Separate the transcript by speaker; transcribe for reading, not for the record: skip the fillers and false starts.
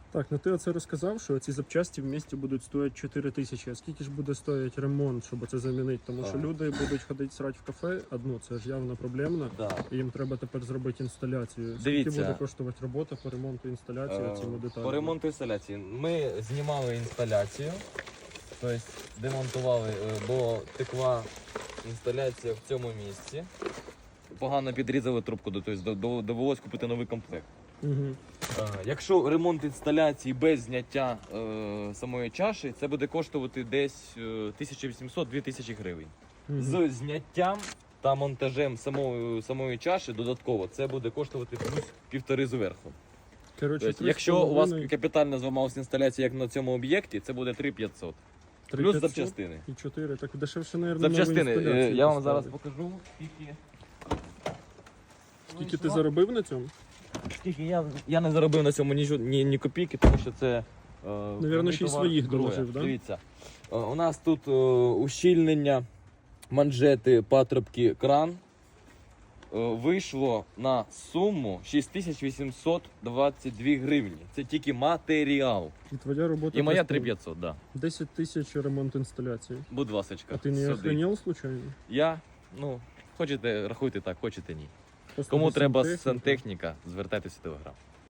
Speaker 1: Так, ну ти оце розказав, що ці запчасті в місті будуть стоїти 4 тисячі. А скільки ж буде стоїти ремонт, щоб це замінити? Тому що люди будуть ходити срати в кафе, це ж явно проблемно.
Speaker 2: Да.
Speaker 1: І їм треба тепер зробити інсталяцію. Скільки
Speaker 2: Дивіться.
Speaker 1: буде коштувати робота по ремонту інсталяції цими деталями?
Speaker 2: По ремонту інсталяції. Ми знімали інсталяцію, тобто демонтували, бо текла інсталяція в цьому місці. Погано підрізали трубку, тобто довелось купити новий комплект.
Speaker 1: Угу.
Speaker 2: Якщо ремонт інсталяції без зняття самої чаші, це буде коштувати десь 1800-2000 гривень. З зняттям та монтажем самої чаші додатково це буде коштувати плюс 1,5 зверху.
Speaker 1: Коротше,
Speaker 2: Тобто, якщо у вас капітально зламалася інсталяція, як на цьому об'єкті, це буде 3500. Плюс запчастини.
Speaker 1: І 4. Так дешевше, мабуть,
Speaker 2: Запчастини. Я вам зараз покажу,
Speaker 1: Скільки ти заробив на цьому?
Speaker 2: Скільки я не заробив на цьому ні копійки, тому що це
Speaker 1: Навірно, ще й своїх доложив, да?
Speaker 2: Дивіться, у нас тут ущільнення, манжети, патрубки, кран. Вийшло на суму 6822 гривні. Це тільки матеріал.
Speaker 1: І твоя робота...
Speaker 2: І моя 3500, так. Да.
Speaker 1: 10 тисяч ремонт інсталяції.
Speaker 2: Будь ласочка.
Speaker 1: А ти не охренел случайно?
Speaker 2: Я? Хочете, рахуйте так, хочете ні.
Speaker 1: Просто
Speaker 2: Кому треба
Speaker 1: сантехніка.
Speaker 2: сантехніка, звертайтеся в Телеграм.